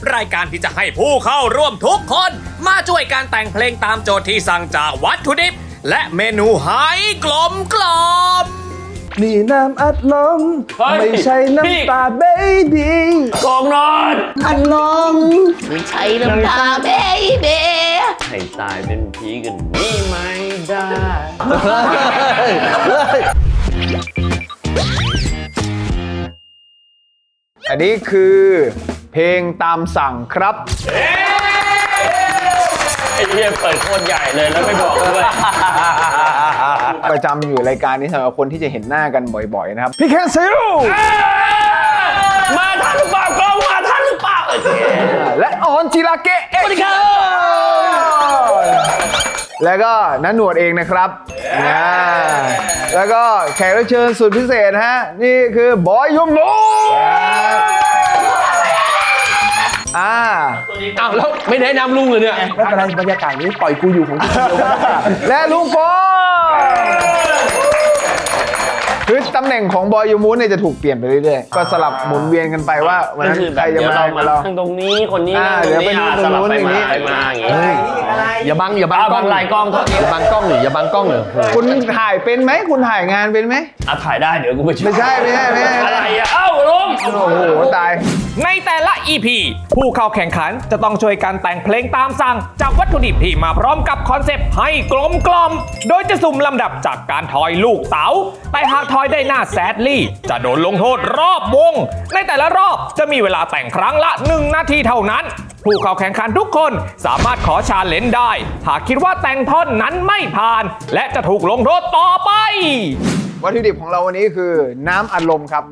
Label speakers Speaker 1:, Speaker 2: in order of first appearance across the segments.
Speaker 1: รายการที่จะให้ผู้เข้าร่วมทุกคนมาช่วยการแต่งเพลงตามโจทย์ที่สั่งจากวัตถุดิบและเมนูให้กลมกล่อม
Speaker 2: นี่น้ำอัดลมไม่ใช่น้ำตาเบบี้
Speaker 3: กองนอน
Speaker 4: อัดลมไม่ใช่น้ำตาเบเบ้
Speaker 3: ให้ตายเป็นผีกันนี่ไม่ได้
Speaker 2: อันนี้คือเพลงตามสั่งครับ
Speaker 3: ไอ้เหี้ยเปิดโคตรใหญ่เลยแล้วไม่บอกด้วย
Speaker 2: ประจำอยู่รายการนี้สำหรับคนที่จะเห็นหน้ากันบ่อยๆนะครับ พี่แคนซิล
Speaker 3: มาทันหรือเปล่ากล้องมาทันหรือเปล่า
Speaker 2: และออนจิราเกะสวัสดีครับแล้วก็นันหนวดเองนะครับแล้วก็แขกรับเชิญสุดพิเศษฮะนี่คือบอยยมโน
Speaker 3: อ้าวแล้วไม่ได้นำลุงเลยเนี่ย
Speaker 5: ไม่เป็นไรบรรยากาศนี้ปล่อยกูอยู่ของกูคนเดียว
Speaker 2: และลุงโฟคือตำแหน่งของบอยยูมูนเนี่ยจะถูกเปลี่ยนไปเรื่อยๆก็สลับหมุนเวียนกันไปว่าวันนั้นใครจะมาเรา
Speaker 3: ทางตรงนี้คนนี้
Speaker 2: เดี๋ยวไปตรงนู้นอย่างนี้
Speaker 3: ไปมาอย่างนี้
Speaker 5: อย่าบังกล้อง
Speaker 3: ลายกล้องเท่านี้
Speaker 5: อย่าบังกล้องหรืออย่าบังกล้องหรือ
Speaker 2: คุณถ่ายเป็นไหมคุณถ่ายงานเป็นไหม
Speaker 3: ถ่ายได้เดี๋ยวกูไปช่วย
Speaker 2: ไม่ใช่
Speaker 3: อะไรอ่ะเอ้าลุง
Speaker 2: โอ้โหตาย
Speaker 1: ในแต่ละ EP ผู้เข้าแข่งขันจะต้องช่วยกันแต่งเพลงตามสั่งจากวัตถุดิบที่มาพร้อมกับคอนเซปต์ให้กลมกล่อมโดยจะสุ่มลำดับจากการทอยลูกเต๋าแต่หากทอยได้หน้าแซดลี่จะโดนลงโทษรอบวงในแต่ละรอบจะมีเวลาแต่งครั้งละ1 นาทีเท่านั้นผู้เข้าแข่งขันทุกคนสามารถขอชาเลนจ์ได้หากคิดว่าแต่งท่อนนั้นไม่ผ่านและจะถูกลงโทษต่อไป
Speaker 2: วัตถุดิบของเราวันนี้คือน้ำอัดลมครับ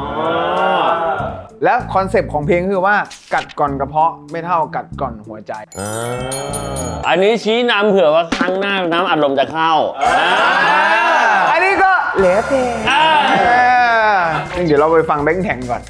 Speaker 2: และคอนเซปต์ของเพลงคือว่ากัดก่อนกระเพาะไม่เท่ากัดก่อนหัวใจ
Speaker 3: อันนี้ชี้นำเผื่อว่าครั้งหน้าน้ำอัดลมจะเข้า
Speaker 2: อันนี้ก็เหลือเพลงเดี๋ยวเราไปฟังแบงค์แข่งก่อน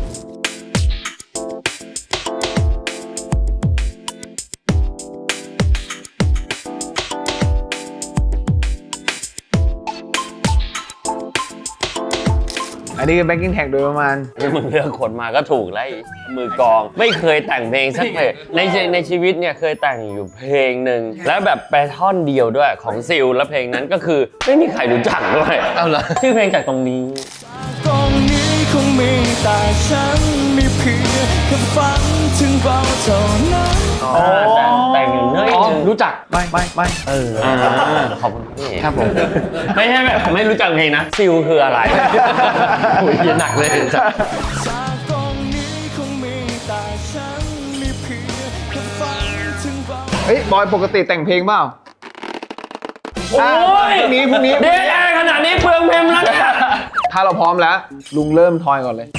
Speaker 2: อันนี้คือแบ็กกิ้งแท็กโดยประมาณ
Speaker 3: ที่มึงเลือกคนมาก็ถูกแล้วมือกองไม่เคยแต่งเพลงสักเพลงในชีวิตเนี่ยเคยแต่งอยู่เพลงหนึ่งแล้วแบบไปท่อนเดียวด้วยของซิลแล้วเพลงนั้นก็คือไม่มีใครรู้จักด้วยเอาเหรอชื่อเพลงจากตรงนี้
Speaker 6: ตรงนี้คงมีแต่ฉันมีเพียงแค่ฝันถึงเราเท่านั้น
Speaker 3: แต่งอยู่เนื่อย
Speaker 5: รู้จักไม่
Speaker 3: ขอบคุณพี่
Speaker 5: ครับผม
Speaker 3: ไม่ใช่แบบไม่รู้จักเพลงนะซิลคืออะไร
Speaker 5: โอ้ยหนักเลย
Speaker 6: จากตรงนี้คงมีแต่ฉันมีเพียงแค่ฝันถึงเรา
Speaker 2: เฮ้ยบอยปกติแต่งเพลงเปล่า
Speaker 3: โอ้ย
Speaker 2: พรุ่งนี้
Speaker 3: เด็ดอะไรขนาดนี้เปลืองเพลงแล้วเนี่ย
Speaker 2: ถ้าเราพร้อมแล้วลุงเริ่มทอยก่อนเลย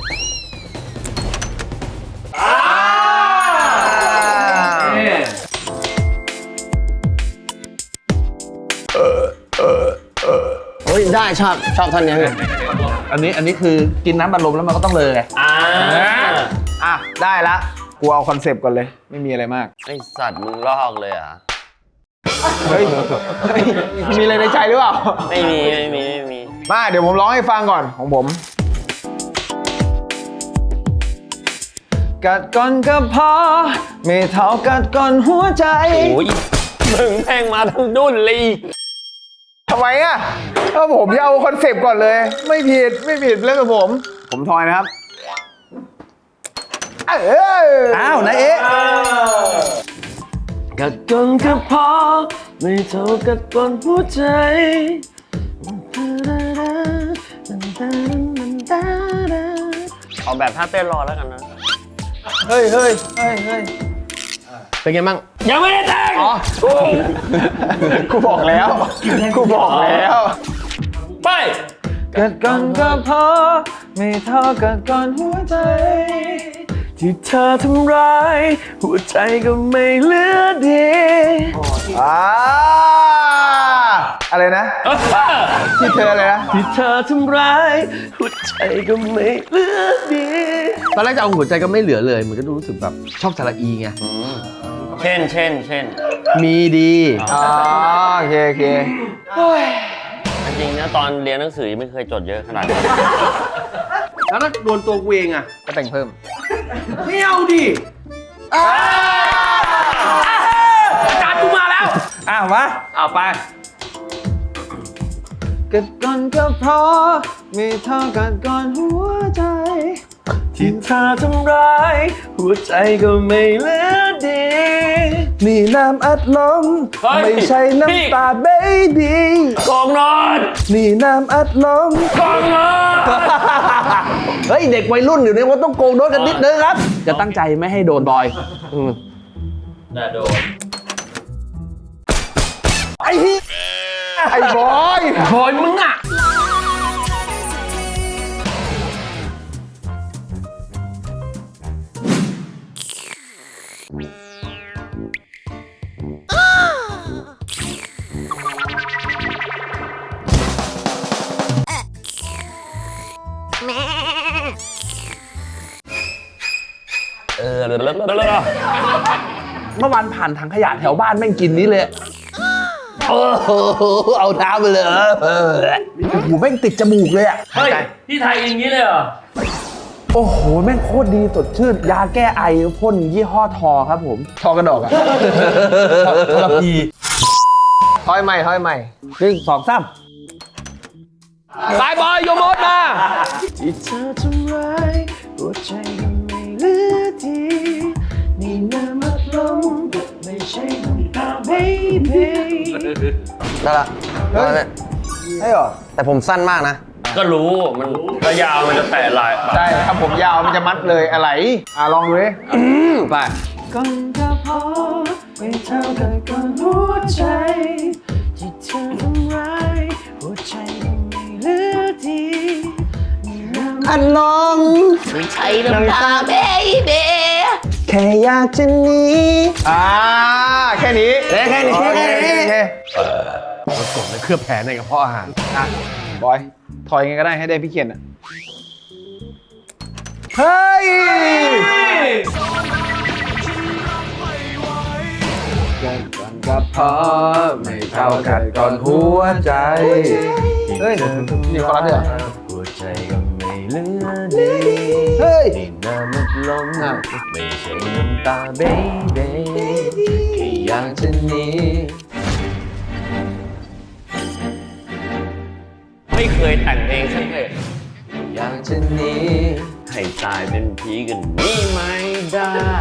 Speaker 5: เฮ้ยได้ชอบท่อนนี้อันนี้คือกินน้ำบัลลมแล้วมันก็ต้องเลยไง
Speaker 2: ได้ละกูเอาคอนเซปต์ก่อนเลยไม่มีอะไรมาก
Speaker 3: ไอสัตว์มึงลอกเลยอ่ะ
Speaker 2: เฮ้ยมีอะไรในใจหรือเปล่า
Speaker 3: ไม่มี
Speaker 2: มาเดี๋ยวผมร้องให้ฟังก่อนของผมกัดก่อนก็พอไม่เท่ากัดก่อนหัวใจ
Speaker 3: โอ้ยมึงแพงมาทั้งดุนเลย
Speaker 2: ทำไมอ่ะก็ผมจะเอาคอนเซปต์ก่อนเลยไม่ผิดเรื่องกับผมทอยนะครับ
Speaker 5: อ้าวนายเอ๊ะ
Speaker 6: กัดก่อนก็พอไม่เท่ากัดก่อนหัวใจ
Speaker 3: เอาแบบท่าเต้นรอแล้วกันนะ
Speaker 2: เฮ้ย
Speaker 5: เป็นไงมั่ง
Speaker 3: ยังไม่ได้แต่ง
Speaker 2: กูบอกแล้ว
Speaker 3: ไป
Speaker 2: กัดก่อนก็พอไม่เท่ากัดก่อนหัวใจ
Speaker 6: ที่เธอทำร้ายหัวใจก็ไม่เหลือดี
Speaker 2: อะไรนะที่เธออะไรนะ
Speaker 6: ที่เธอทำร้ายหัวใจก็ไม่เหลือดี
Speaker 5: ตอนแรกจะเอาหัวใจก็ไม่เหลือเลยมันก็รู้สึกแบบชอบสระอีไง
Speaker 3: เช่น
Speaker 5: มีดี
Speaker 2: โอเค
Speaker 3: จริงนะตอนเรียนหนังสือไม่เคยจดเยอะขนาดนี้
Speaker 5: แล้วถ้าโดนตัวกูเองอ่ะ
Speaker 2: ก็แต่งเพิ่ม
Speaker 5: ไม่เอาดิ
Speaker 1: จานกูมาแล้ว
Speaker 5: มา
Speaker 1: เอาไป
Speaker 2: กัดก่อนก็เพราะไม่เท่ากัดก่อนหัวใจ
Speaker 6: ที่เธอทำร้ายหัวใจก็ไม่เหลือดีนี่น้ำอัดลม
Speaker 3: เฮ้ย
Speaker 6: ไม่ใช่
Speaker 3: พี่
Speaker 6: น้ำตาเบบี
Speaker 3: กองนอน
Speaker 6: นี่น้ำอัดลม
Speaker 3: กองนอน
Speaker 5: เฮ้ย เด็กวัยรุ่นอยู่เนี่ยว่าต้องโกงโดนกันนิดนึงครับ จะตั้งใจไม่ให้โดนบอย
Speaker 3: น่าโดน
Speaker 2: ไอ้บอย
Speaker 1: โอยมึงอ่ะ
Speaker 5: เมื่อวานผ่านถังขยะแถวบ้านแม่งกินนี้เลยโอ้โหเอาน้ำไปเลยโอ้โหแม่งติดจมูกเลยอ่ะ
Speaker 3: เฮ้ย พี่ไทยอย่างนี้เลยเหรอ
Speaker 5: โอ้โห แม่งโคตรดีสดชื่น ยาแก้ไอพ่นยี่ห้อทอครับผม
Speaker 2: ทอกระดอกอะ
Speaker 5: ทรพี
Speaker 2: ถอยใหม่ถอยใหม่
Speaker 5: 1 2 3
Speaker 1: สายบอยโยมดมา
Speaker 6: ที่เธอทำร้ายหัวใจก็ไม่เหลือดีนี่น้ำอัดลมไม่ใช่น้ำตาเบบี
Speaker 7: ได้ละได้ละ
Speaker 2: ให้เหรอ
Speaker 7: แต่ผมสั้นมากนะ
Speaker 3: ก็รู้มันระยาวมันจะแตะลาย
Speaker 2: ใช่ถ้าผมยาวมันจะมัดเลยอะไร ลองดูดิ
Speaker 5: ไป
Speaker 6: ก่อนก็พอไม่เท่ากันก่อนหัวใจที่เธอทำร้ายหัวใจก็ไม่เหลือดีนี่น้ำ
Speaker 7: อันลม
Speaker 4: ไม่ใช่น้ำตาเบบี
Speaker 7: แค่อยากจะหนี
Speaker 2: แค่นี้
Speaker 7: แค่นี้
Speaker 2: โอเค
Speaker 7: แค่นี้
Speaker 2: โอเค
Speaker 5: กดในเคลือบแผลในกระเพาะอาหาร
Speaker 2: บอย ถอยยังไงก็ได้ให้ได้พี่เขียนอะเฮ้ยกันก่อนก็พอไม่เท่ากันก่อนหัวใจ เฮ้ยนี่คนละเดือ
Speaker 6: หัวใจก็ไม่เหลือดี
Speaker 2: เฮ้ย
Speaker 6: นี่น้ำอัดลมไม่ใช่น้ำตาเบบีแค่อยากจะหนี
Speaker 3: ไม่เคยแต่งเพลงสักเพลง
Speaker 6: อยากจะหนีให้ตายเป็นผีกันนี่ไม่ได้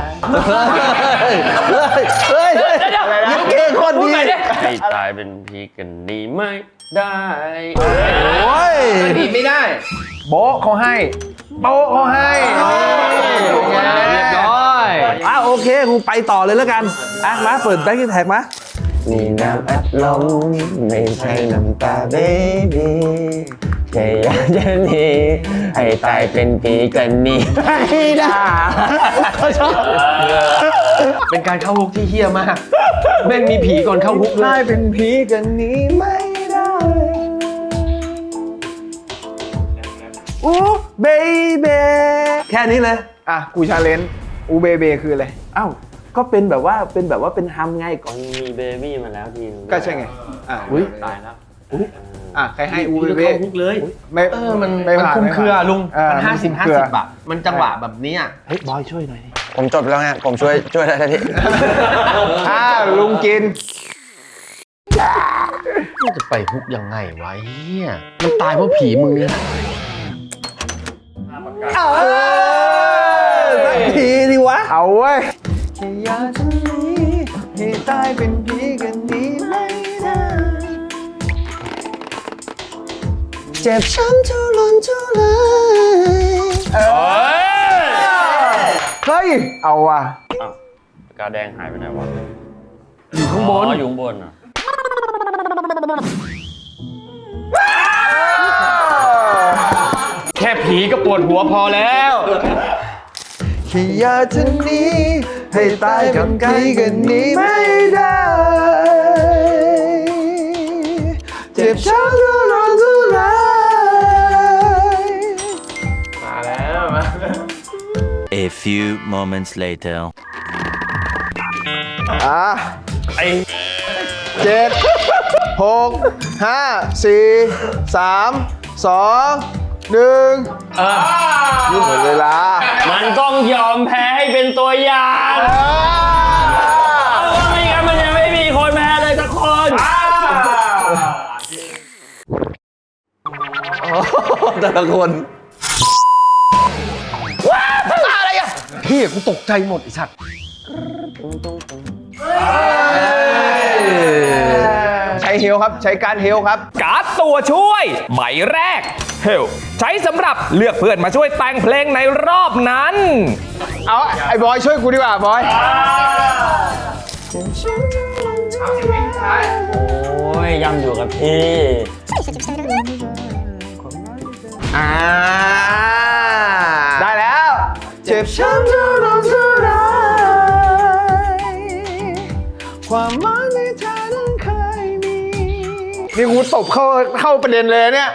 Speaker 5: เฮ้ยยิ้มเก่งคนดี
Speaker 3: ให้ตายเป็นผีกันนี่ไม่ได้
Speaker 5: โอ้ย
Speaker 2: ดีไม่ได้ โบ๊ะเขาให้ โบ๊ะเขาให้นี่ไง
Speaker 1: เรียบร้อย
Speaker 5: โอเคกูไปต่อเลยแล้วกันมาเปิดแบ็คกิ้งแท็กมา
Speaker 7: นี่น้ำอัดลมไม่ใช่น้ำตาเบบีแค่อยากจะหนีให้ตายเป็นผีกันนี่ไม่ได้
Speaker 5: เป็นการเข้าฮุกที่เฮี้ยมากแม่งมีผีก่อนเข้าฮุกเล
Speaker 2: ได้
Speaker 5: ย
Speaker 2: เป็นผีกันนี้ไม่ได้
Speaker 5: อู้เบเบแค่นี้เลย
Speaker 2: กูชาเลนจ์อูเบเบคืออะไร
Speaker 5: อ้าวก็เป็นแบบว่าเป็นฮัมไงก่อน
Speaker 3: มันมีเบบี้มาแล้วทีนึง
Speaker 2: ก็ใช่ไง
Speaker 5: อุ้ย
Speaker 1: ตายแล้ว
Speaker 2: ใครให้อูเบเบ
Speaker 5: เข้าฮุกเลย
Speaker 2: ไม่
Speaker 5: มัน
Speaker 2: ไม่ผ่าน
Speaker 5: คุมเครือลุง มัน
Speaker 2: คุมเครือ
Speaker 5: 50 อ่ะ มันจังหวะแบบนี้อ่ะ เฮ้ย บอยช่วยหน่อยดิ
Speaker 7: ผมจบแล้วไงผมช่วยได้ทันที
Speaker 2: ลุงกิน
Speaker 5: จะไปฮุกยังไงวะเฮียมันตายเพราะผีมึงเนี่ยสักทีดิวะ
Speaker 2: เอาเว้ย
Speaker 6: แค่อยากจะหนีให้ตายเป็นผีกันนี้ไม่ได้
Speaker 7: เจ็บช้ำทุรนทุราย
Speaker 2: เฮ้ย เอาว่ะ
Speaker 3: กาแดงหายไปไหนวะ
Speaker 5: อยู่ข้างบน
Speaker 3: อยู่ข้างบนอ่ะ
Speaker 1: แค่ผีก็ปวดหัวพอแล้ว
Speaker 6: แค่อยากจะหนีให้ตายกับผีกันนี้ไม่ได้เจ็บช้ำทุรนทุราย
Speaker 8: A few moments later.
Speaker 2: 7 6 5 4 3 2 1หมดเวลา
Speaker 3: มันต้องยอมแพ้ให้เป็นตัวอย่างเพราะว่าไม่งั้นมันยังไม่มีคนแพ้เลยสักคน
Speaker 5: แต่ละคนอะไรอ่ะพี่กูตกใจหมดไอ้สัตว์
Speaker 2: ใช้เฮลครับ ใช้การเฮลครับ
Speaker 1: การ์ดตัวช่วยใบแรก Help ใช้สำหรับเลือกเพื่อนมาช่วยแต่งเพลงในรอบนั้น
Speaker 2: เอาไอ้บอยช่วยกูดีกว่าบอย
Speaker 3: โอ้ยย่ำอยู่กับพี่
Speaker 2: ได้แล้ว เจ็บช้ำเท่าไรเท่าไรความหมายในเธอนั้นเคยมี นี่กูตบเข้าประเด็นเลยเนี่ย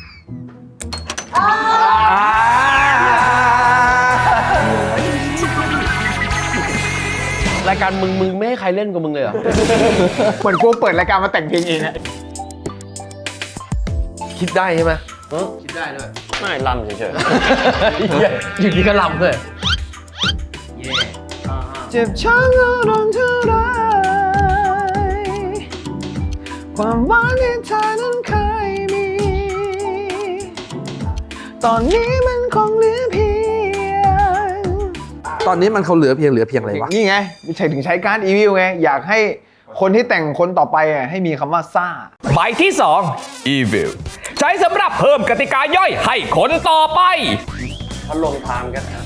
Speaker 5: รายการมึงไม่ให้ใครเล่นกับมึงเลยเหรอ
Speaker 2: เหมือนกูเปิดรายการมาแต่งเพลงเองอะ
Speaker 5: คิดได้ใช่ไหม
Speaker 3: ไม่ลำเฉย
Speaker 5: อยู่ดีก็ลำเลย
Speaker 2: เจ็บช้ำเท่าไรเท่าไรความหวานในเธอนั้นเคยมี ตอนนี้มันคงเหลือเพียง
Speaker 5: ตอนนี้มันเขาเหลือเพียงอะไรวะ
Speaker 2: นี่ไงใช้ถึงใช้การอีวิวไง อยากให้คนที่แต่งคนต่อไปอ่ะให้มีคำว่าซ่า
Speaker 1: ใบที่ 2 Evil ใช้สำหรับเพิ่มกติกาย่อยให้คนต่อไป
Speaker 3: ๆเขาลงทามกันนะ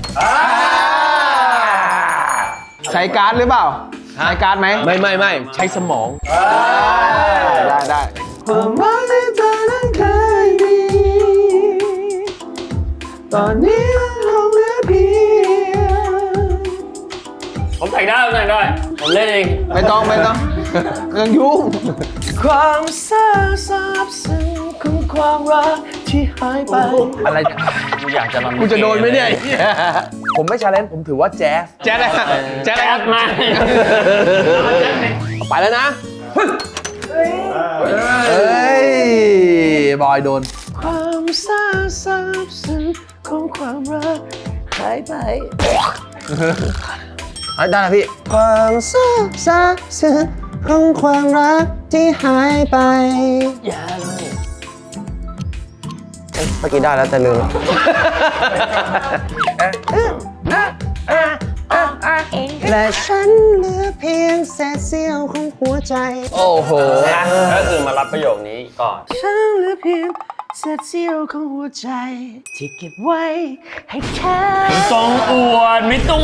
Speaker 2: ใช้การ์ดหรือเปล่า ใช้การ์ดไหม
Speaker 5: ไม่ใช้สมอง
Speaker 2: ได้ความหมายในเธอนั้นเคยมี ตอนนี้มันคงเหลือเพียง
Speaker 3: ผมแต่งได้ผมเล่นเอง
Speaker 2: ไม่ต้องเครื่องยุ่ง
Speaker 6: ความเศร้าซาบซึ้งของความรักที่หายไป
Speaker 5: อะไรเนี่ย
Speaker 3: กูอยากจะลำ
Speaker 5: กูจะโดนไหมเนี่ย ผมไม่ชาเลนจ์ผมถือว่าแจ๊ส
Speaker 2: แจ๊ดเลยแจ๊ดเลย
Speaker 3: แอดมา
Speaker 5: ไปแล้วนะ เฮ้ย บอยโดน
Speaker 6: ความเศร้าซาบซึ้งของความรักหายไป
Speaker 5: ได้นะพี่
Speaker 7: ความเศร้าซาบซึ้งของความรักที่หายไปเมื่อกี้ได้แล้วแต่ลืม และฉันเหลือเพียงเศษเสี้ยวของหัวใจ
Speaker 5: โอ้โห
Speaker 3: ก็คือมารับประโยคนี้ก่อน
Speaker 6: ฉันเหลือเพียงเศษเสี้ยวของหัวใจ ที่เก็บไว้ให้แค่
Speaker 3: ไม่ต้องอวด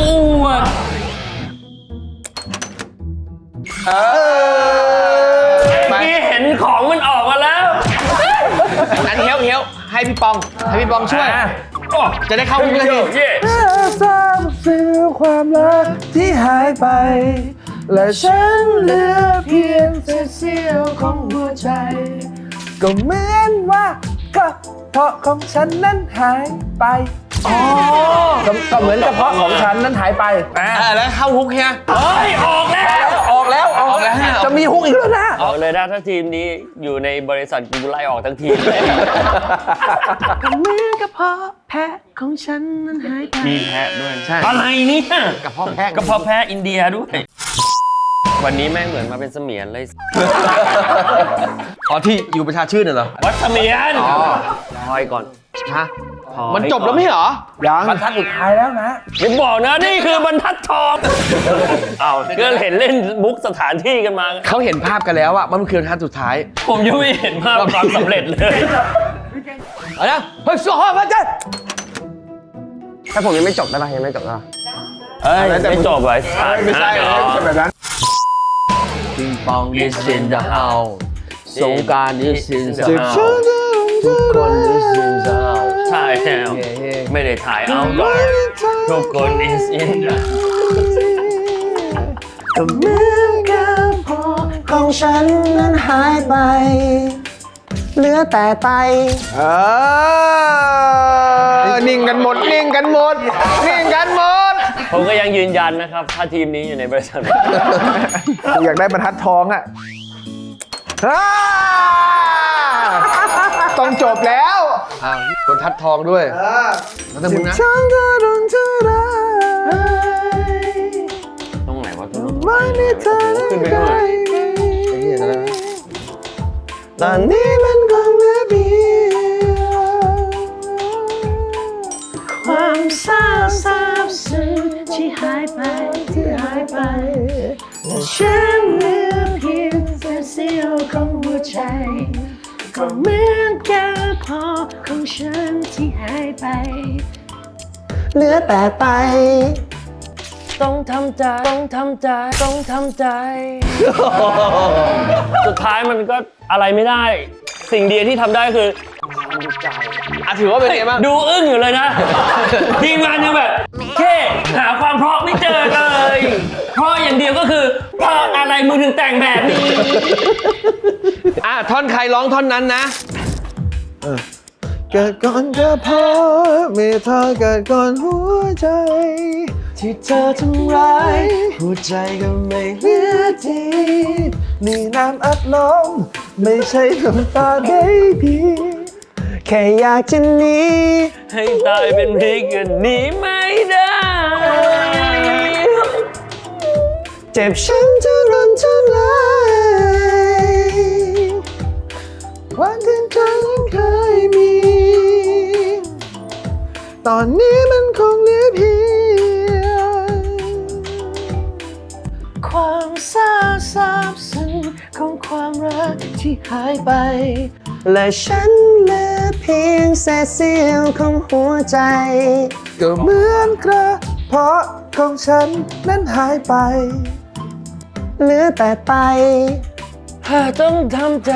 Speaker 3: พี่เห็นของมันออกมาแล้ว
Speaker 2: นั้นเฮี้ยวให้พี่ปองช่วย จะได้เข้ามุกเลยพี่
Speaker 3: เย่
Speaker 6: ทราบซึ้งความรักที่หายไป และฉันเหลือเพียงเศษเสี้ยวของหัวใจ ก็เหมือนว่าก็เพราะของฉันนั้นหายไป
Speaker 5: ก็เหมือนกระเพาะของฉันนั้นหายไปแล้วเข้าฮุกเฮีย
Speaker 3: เฮ้ย ออกแล้ว
Speaker 5: ออกแล้ว จะมีฮุกอีกแล้วนะ
Speaker 3: ออกเลยนะถ้าทีมนี้อยู่ในบริษัทกูไล่ออกทั้งทีมเลย
Speaker 6: ก็เหมือนกับเพาะแพะของฉันนั้นหายไป
Speaker 3: มีแพะด้วยใช่อะไรเนี่ย
Speaker 5: กระเพาะแพะ
Speaker 3: กระเพาะแพะอินเดียด้วย วันนี้แม่งเหมือนมาเป็นเสมียนเลย
Speaker 5: อ๋อที่อยู่ประชาชื่นเหรอ
Speaker 3: วัดเสมียนพอยก่อน
Speaker 5: ฮะ
Speaker 3: พอย
Speaker 5: มันจบแล้วไม่เหรอ
Speaker 2: ยัง
Speaker 5: บรรทัดสุดท้ายแล้วนะ
Speaker 3: อย่าบอกนะนี่คือบรรทัดทองเอาก็เห็นเล่นมุกสถานที่กันมา
Speaker 5: เขาเห็นภาพกันแล้วอะมันคือบรรทัดสุดท้าย
Speaker 3: ผมยังไม่เห็นภาพความสำเร็จเลย
Speaker 5: เอาละเฮ้ยสู้ฮะพระเจ้า
Speaker 7: ถ้าผมยังไม่จบได้ปะยังไม่จบได้ปะ
Speaker 3: เฮ้ยไม่จบเลย
Speaker 2: ไม่ใช่แบบนั้น
Speaker 5: ปิงปอง is in the house สงกรานต์ is in the
Speaker 2: เจ็บ
Speaker 5: house
Speaker 2: ช้ำเท่าไร
Speaker 5: ทุกคน is in the house
Speaker 3: ใช่แล้วไม่ได้ถ่ายเอาก่อนทุกคน is in the
Speaker 6: ก็เหมือนกับเพาะ
Speaker 7: ของฉันนั้นหายไป เหลือแต่ไต
Speaker 2: นิ่งกันหมด
Speaker 3: ผมก็ยังยืนยันนะครับ ถ้าทีมนี้อยู่ในบริษัท
Speaker 2: กูอยากได้บรรทัดทองอ่ะต้องจบแล้ว
Speaker 5: อ้าวบรรทัดทองด้วยแล้วแต่มึงนะ
Speaker 2: ช้ำเท่าไรเ
Speaker 3: ขึ้นไปด้วย
Speaker 7: ตอนนี้มันคงเหลือเพียง
Speaker 4: ความเศร้าซาบซึ้งที่หายไปและฉันเหลือเพียงแต่เสี้ยวของหัวใจก็เหมือนแค่พอของฉันที่หายไป
Speaker 7: เหลือแต่ไป
Speaker 3: ต้องทำใจ สุดท้ายมันก็อะไรไม่ได้ สิ่งเดียวที่ทำได้คือ
Speaker 6: ถือว่าเป็นไงบ้าง
Speaker 3: ดูอึ้งอยู่เลยนะ ทีมงานยังแบบแค่หาความเพราะไม่เจอเลย เพราะอย่างเดียวก็คือเพราะอะไรมึงถึงแต่งแบบนี้
Speaker 6: ท่อนใครร้องท่อนนั้นนะ
Speaker 7: เกิดก่อนก็พอไม่เธอเกิดก่อนหัวใจ ที่เธอทำร้ายหัวใจก็ไม่เหลือทีนี่น้ำอัดลมไม่ใช่น้ำตาเบบี้แค่อยากจะหนี
Speaker 3: ให้ตายเป็นพริกกันหนีไม่ได้
Speaker 7: เจ็บช้ำจะรันจะลายวันที่เธอเคยมี ตอนนี้มันคงเหลือเพียง
Speaker 4: ความเศร้าซาบซึ้งของความรักที่หายไป
Speaker 7: และฉันเหลือเพียงเศษเสี้ยวของหัวใจ ก็เหมือนกระเพาะของฉันนั้นหายไป เหลือแต่ไต
Speaker 3: ต้องทำใจ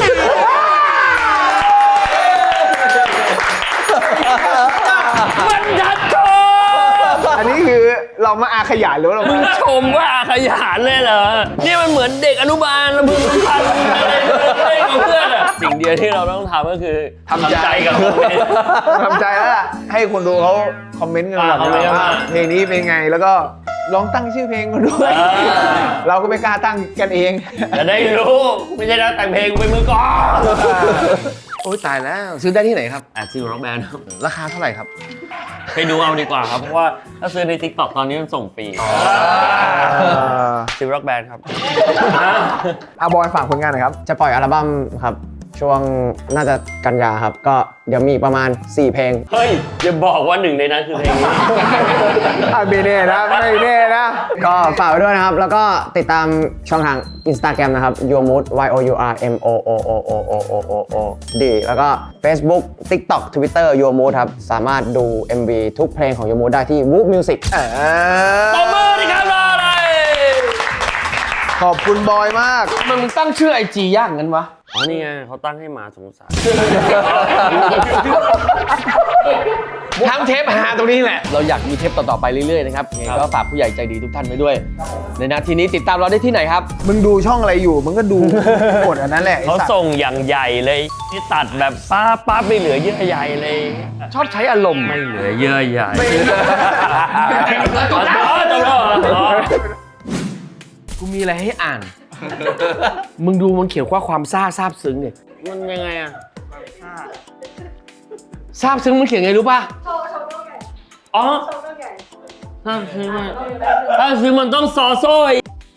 Speaker 3: มันดัดโช
Speaker 2: อันนี้คือเรามาอาขยายหรือว่าเรา
Speaker 3: มึง
Speaker 2: มา
Speaker 3: ชมว่าอาขยานเลยเหรอ นี่มันเหมือนเด็กอนุบาลระพึงพันอะไรเล่นกับเพื่อนอะสิ่งเดียวที่เราต้องทำก็คือทำใจกับมัน
Speaker 2: ทำใจแล้วล่ะ ให้คนดูเขาคอมเมนต์กันก่อน
Speaker 3: คอมเมนต์กัน
Speaker 2: ว่า
Speaker 3: มา
Speaker 2: เพลงนี้เป็นไงแล้วก็ลองตั้งชื่อเพลงมาด้วย เราก็ไม่กล้าตั้งกันเอง
Speaker 3: จะได้รู้ ไม่ใช่นะแต่งเพลงเป็นมือกลอง
Speaker 6: โอ้ยตายแล้ว ซื้อได้ที่ไหนครับ
Speaker 3: ซิลร็อกแบนด์ครับ
Speaker 6: ราคาเท่าไหร่ครับ
Speaker 3: ไปดูเอาดีกว่าครับ เพราะว่าถ้าซื้อใน TikTok ตอนนี้มันส่งฟรีซิลร็อกแบนด์ครับ
Speaker 2: บอยฝากผลงานหน่อยครับ
Speaker 7: จะปล่อยอัลบั้มครับ ช่วงน่าจะกันยาครับ ก็เดี๋ยวมีประมาณ 4 เพลง
Speaker 3: เฮ้ย อย่าบอกว่าหนึ่งในนั้นคือเพลงนี้
Speaker 2: ไม่แน่นะไม่แน่นะ
Speaker 7: ก็ฝากไว้ด้วยนะครับ แล้วก็ติดตามช่องทาง Instagram นะครับ yourmood yourmood แล้วก็ Facebook TikTok Twitter yourmood ครับ สามารถดู MV ทุกเพลงของ yourmood ได้ที่ Whoop Music
Speaker 3: ตบมือดิครับรออะไร
Speaker 2: ขอบคุณบอยมาก
Speaker 6: มันตั้งชื่อ IG ยากงั้นวะ
Speaker 3: อ๋อ นี่ไงเขาตั้งให้หมาสงสาร
Speaker 6: ทั้งเทปหาตรงนี้แหละ เราอยากมีเทปต่อๆไปเรื่อยๆนะครับยังไงก็ฝากผู้ใหญ่ใจดีทุกท่านไว้ด้วย ในนาทีนี้ติดตามเราได้ที่ไหนครับ
Speaker 2: มึงดูช่องอะไรอยู่ มึงก็ดูกดอันนั้นแหละไอ้
Speaker 3: เขา
Speaker 2: สัตว์
Speaker 3: ส่งอย่างใหญ่เลยที่ตัดแบบป้าไม่เหลือเยื่อใยเลย
Speaker 6: ชอบใช้อารมณ์
Speaker 3: ไม่เหลือเยื่อใยจบแล้ว
Speaker 6: กูมีอะไรให้อ่าน มึงดูมันเขียนว่าความซาบซึ้งเนี่ย
Speaker 3: มันยังไงอะ
Speaker 6: ซาบซึ้งมันเขียนไงรู้ป่ะ
Speaker 3: อ๋อถ้าซื้อมันต้องซอโซ่ย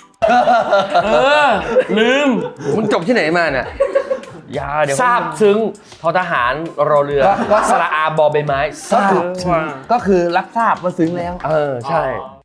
Speaker 3: ลืม
Speaker 6: มึงจบที่ไหนมาเนี่ย
Speaker 3: ยาเดี๋ยว
Speaker 6: ซาบซึ้งทอทหารรอเรือสระอาบอใบไม้ซาบซึ้งก็คือรับทราบว่าซึ้งแล้ว ใช่